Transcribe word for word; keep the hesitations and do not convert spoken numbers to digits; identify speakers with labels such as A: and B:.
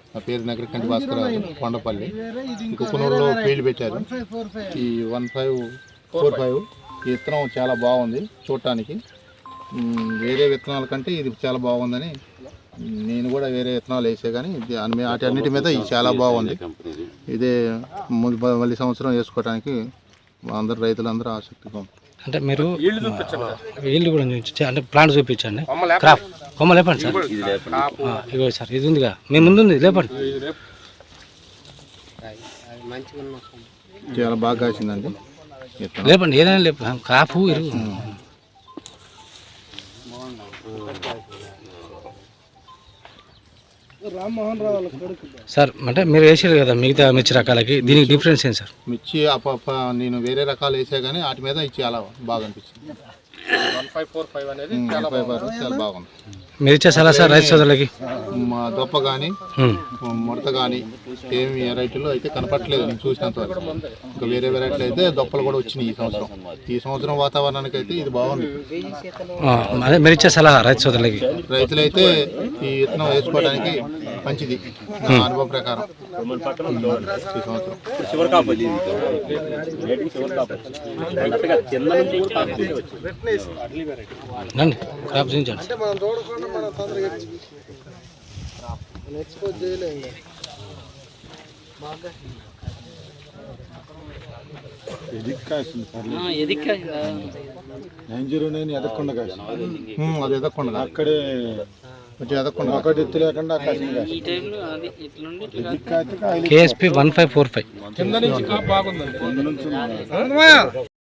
A: నా పేరు నగరకంటి భాస్కరరావు కొండపల్లి. కుకునూరులో ఫీల్డ్ పెట్టారు. ఈ వన్ ఫైవ్ ఫోర్ ఫైవ్ ఈ విత్తనం చాలా బాగుంది చూడటానికి. వేరే విత్తనాల కంటే ఇది చాలా బాగుందని నేను కూడా వేరే విత్తనాలు వేసే కానీ వాటి అన్నిటి మీద ఇది చాలా బాగుంది. ఇదే మళ్ళీ సంవత్సరం వేసుకోవడానికి అందరు రైతులందరూ ఆసక్తిగా ఉంది.
B: అంటే మీరు వీళ్ళు కూడా అంటే ప్లాంట్ చూపించండి. క్రాప్ కొమ్మ లేపండి సార్. ఇగో సార్ ఇది ఉందిగా మీ ముందు ఉంది, లేపండి.
A: చాలా బాగా కాసిందండి.
B: లేపండి ఏదైనా లేపు క్రాప్ ఇరుగు. సార్ అంటే మీరు వేసారు కదా మిగతా మిర్చి రకాలకి, దీనికి డిఫరెన్స్ ఏంటి సార్?
A: మిర్చి అప్ప నేను వేరే రకాలు వేసా కానీ వాటి మీద ఇది చాలా బాగా అనిపించింది. చాలా బాగుంది.
B: మీరు ఇచ్చే సలహా సార్ రైతు సోదరులకి?
A: మా దొప్ప కానీ ముడత కానీ ఏమి వెరైటీలు అయితే కనపట్లేదు నేను చూసినంత వరకు. ఇంకా వేరే వెరైటీలు అయితే దొప్పలు కూడా వచ్చినాయి ఈ సంవత్సరం. ఈ సంవత్సరం వాతావరణానికి అయితే ఇది బాగుంది.
B: అదే మీరు ఇచ్చే సలహా రైతు సోదరులకి?
A: రైతులు అయితే ఈ విత్తనం వేసుకోవడానికి మంచిది నా అనుభవం ప్రకారం. ఈ సంవత్సరం
B: క్రాప్ చూపించండి.
C: నైన్ జీరో నైన్ ఎదక్కుండా
A: అది ఎదక్కుండా
C: అక్కడే
A: ఎదక్కుండా
C: ఒకటి ఎత్తు లేకుండా
B: KSP one five four five
C: కింద నుంచి బాగుందండి.